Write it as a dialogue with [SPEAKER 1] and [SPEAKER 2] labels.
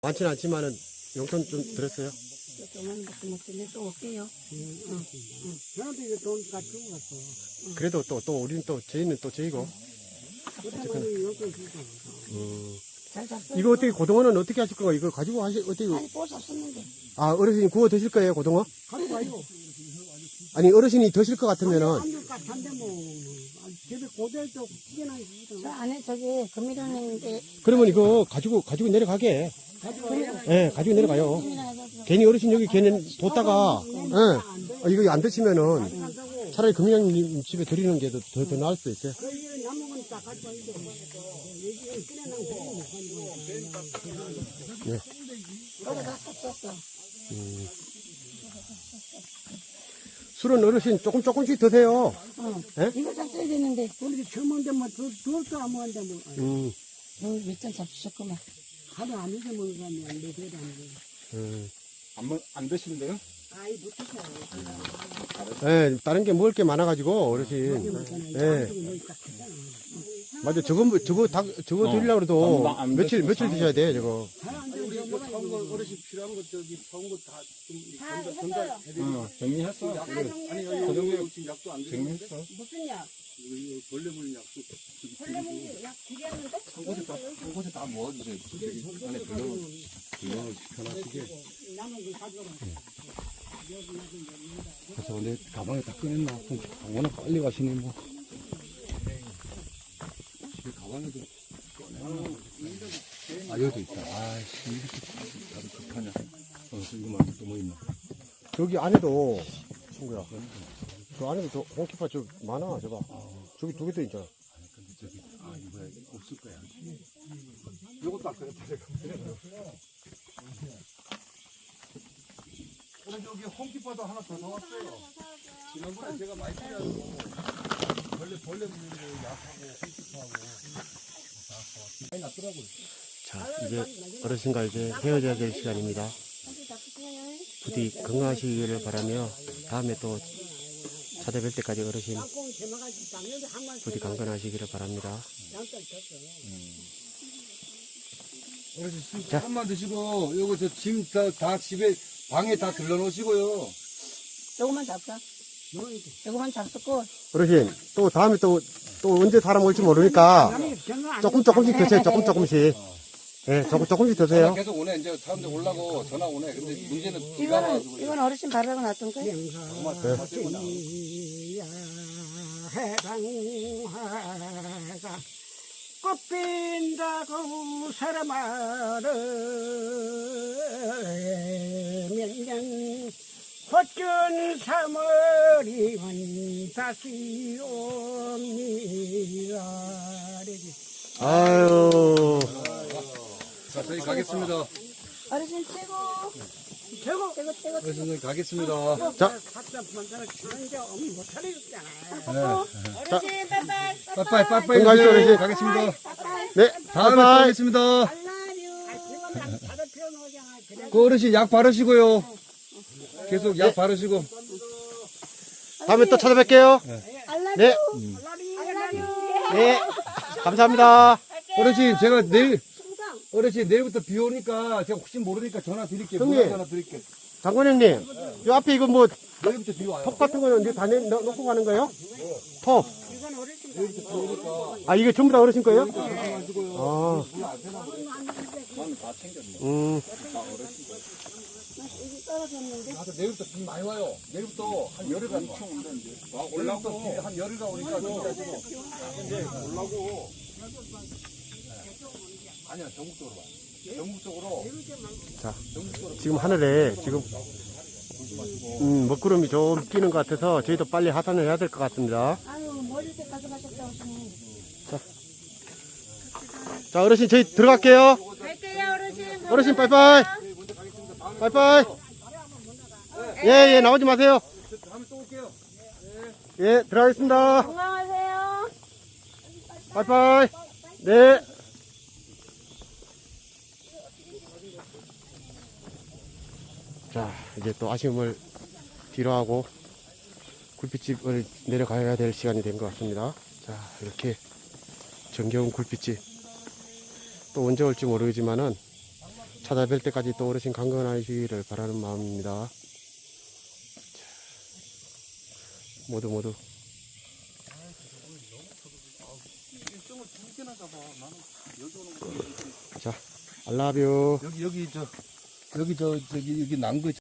[SPEAKER 1] 많지는 않지만은 용돈 좀 들었어요.
[SPEAKER 2] 조금만 먹고 또 올게요.
[SPEAKER 3] 저한테 이거 돈 가지고 갔어.
[SPEAKER 1] 그래도 또 우리는 또 저희는 또 저희고.
[SPEAKER 3] 어쨌든 용돈 주고.
[SPEAKER 2] 잘 잤어요?
[SPEAKER 1] 이거 어떻게 고등어는 어떻게 하실 건가? 이거 가지고 어떻게?
[SPEAKER 2] 아니 볼 잡았는데.
[SPEAKER 1] 아 어르신이 구워 드실 거예요 고등어?
[SPEAKER 3] 가지고 와요.
[SPEAKER 1] 아니 어르신이 드실 것 같으면은
[SPEAKER 3] 안줄 같은데 뭐. 집에 고대도 튀겨나있
[SPEAKER 2] 저 안에 저기 금이라는데
[SPEAKER 1] 그러면 이거 가지고 내려가게. 예, 가지고 내려가요. 괜히 어르신 여기 괜히 뒀다가 이거 안 드시면은 차라리 금양님 집에 드리는 게 더 나을 수도 있어요.
[SPEAKER 3] 그 일은 남은 거니까 가지고 와야죠. 얘기는 끓여놓은 거 못 가는 거.
[SPEAKER 2] 거기 다 썼어.
[SPEAKER 1] 술은 어르신 조금씩 드세요. 예?
[SPEAKER 2] 이거 잡숴야 되는데
[SPEAKER 3] 우리 처음인데 뭐 둘도 안 먹는데 뭐.
[SPEAKER 2] 몇잔 잡수셨구만.
[SPEAKER 3] 하루 안 잊어 먹는 사람이 안 돼. 그래도 안 돼.
[SPEAKER 4] 안 드시는데요?
[SPEAKER 3] 아이 못 드셔요.
[SPEAKER 1] 예, 다른 게 먹을 게 많아가지고 어르신. 예. 맞아, 저거 드리려고 해도
[SPEAKER 4] 안
[SPEAKER 1] 며칠
[SPEAKER 4] 드시고
[SPEAKER 1] 드셔야 돼, 저거.
[SPEAKER 4] 우리 이거 사온 거 어르신 필요한 거 저기 사온 거 다 좀 전달해드리고. 정리했어. 아니 그 정도에 지금 약도 안 드리는데.
[SPEAKER 2] 무슨 약?
[SPEAKER 4] 이거 벌레 물린 약도
[SPEAKER 2] 벌레 물린 약 드렸는데?
[SPEAKER 4] 한 곳에 다 모아주세요. 저기 안에 들러를 시켜놨으게. 그래서 내 가방에 다 꺼냈나? 워낙 빨리 가시니 뭐. 이 가방에도 꺼내놔. 아 여기도 있다. 아씨 이렇게 나도 급하냐. 이거 말고 또 뭐 있나?
[SPEAKER 1] 저기 안에도, 친구야. 저 안에도 홍키파 저 많아, 저봐. 저기 두 개 더 있잖아.
[SPEAKER 4] 아니 근데 저기 이거야 없을 거야. 요것도 아까 그랬다. 오늘 저기 홍키파도 하나 더 사왔어요. 지난번에 제가 많이 필요하고 벌레 물는 거 약하고 홍키파하고 많이 났더라고요.
[SPEAKER 1] 자, 이제 어르신과 이제 헤어져야 될 시간입니다. 부디 건강하시기를 바라며 다음에 또 찾아뵐 때까지 어르신 부디 강건하시기를 바랍니다.
[SPEAKER 4] 어르신 조금만 드시고 요거 저 짐 다 집에 방에 다 들러놓으시고요.
[SPEAKER 2] 조금만 잡자. 조금만 잡수고
[SPEAKER 1] 어르신, 또 다음에 또 언제 사람 올지 모르니까 조금씩 드세요, 조금씩. 예, 조금씩 드세요.
[SPEAKER 4] 계속 오네. 이제 사람들 올라고 전화 오네. 근데 문제는 비가 와가지고.
[SPEAKER 2] 이건 어르신 바르고 놨던 거야?
[SPEAKER 3] 해방화가 꽃핀다고 사람아를 몇년 헛전 3월이면 다시 옵니다.
[SPEAKER 1] 아유.
[SPEAKER 4] 자, 저희 가겠습니다.
[SPEAKER 2] 어르신 최고. 최고.
[SPEAKER 4] 어르신 저희 가겠습니다.
[SPEAKER 1] 자,
[SPEAKER 2] 어르신 빠빠이.
[SPEAKER 4] 빠빠이
[SPEAKER 1] 건강하십시오, 어르신.
[SPEAKER 4] 가겠습니다.
[SPEAKER 1] 네,
[SPEAKER 4] 다음에 또
[SPEAKER 1] 바이바이.
[SPEAKER 4] 뵙겠습니다. 그 어르신 약 바르시고요. 계속 약 바르시고.
[SPEAKER 1] 다음에 또 찾아뵐게요. 네. 네. 감사합니다.
[SPEAKER 4] 어르신 제가 어르신 내일부터 비 오니까 제가 혹시 모르니까 전화 드릴게요.
[SPEAKER 1] 형님.
[SPEAKER 4] 문자 전화 드릴게요.
[SPEAKER 1] 장관 형님, 요 앞에 이거 뭐,
[SPEAKER 4] 내일부터 비 와요.
[SPEAKER 1] 톱 같은 거는 이제 다 놓고 가는 거예요? 톱. 아, 이게 전부 다 어르신 거예요? 아.
[SPEAKER 4] 나도 내일부터 비 많이 와요. 내일부터 한 열흘가 올라고 한 열흘가 오니까 준비하시고. 이제 올라고. 아니야 전국적으로 와. 전국적으로.
[SPEAKER 1] 자, 지금 하늘에 지금 먹구름이 좀 끼는 것 같아서 저희도 빨리 하산을 해야 될 것 같습니다.
[SPEAKER 2] 아유 머리 때 가져가셨다 오시네.
[SPEAKER 1] 자, 어르신 저희 들어갈게요.
[SPEAKER 2] 갈게요 어르신.
[SPEAKER 1] 어르신 빠이빠이. 빠이빠이. 예, 나오지 마세요.
[SPEAKER 4] 다음에 또 올게요.
[SPEAKER 1] 예, 들어가겠습니다.
[SPEAKER 2] 건강하세요.
[SPEAKER 1] 빠이빠이. 네. 자, 이제 또 아쉬움을 뒤로하고 굴빛집을 내려가야 될 시간이 된 것 같습니다. 자, 이렇게 정겨운 굴빛집 또 언제 올지 모르지만은 찾아뵐 때까지 또 어르신 강건하시기를 바라는 마음입니다. 모두
[SPEAKER 4] 일정을 두 개나 잡아. 나는 여기 오는 거.
[SPEAKER 1] 자, I love you.
[SPEAKER 4] 여기 저 여기 저 저기 여기 난거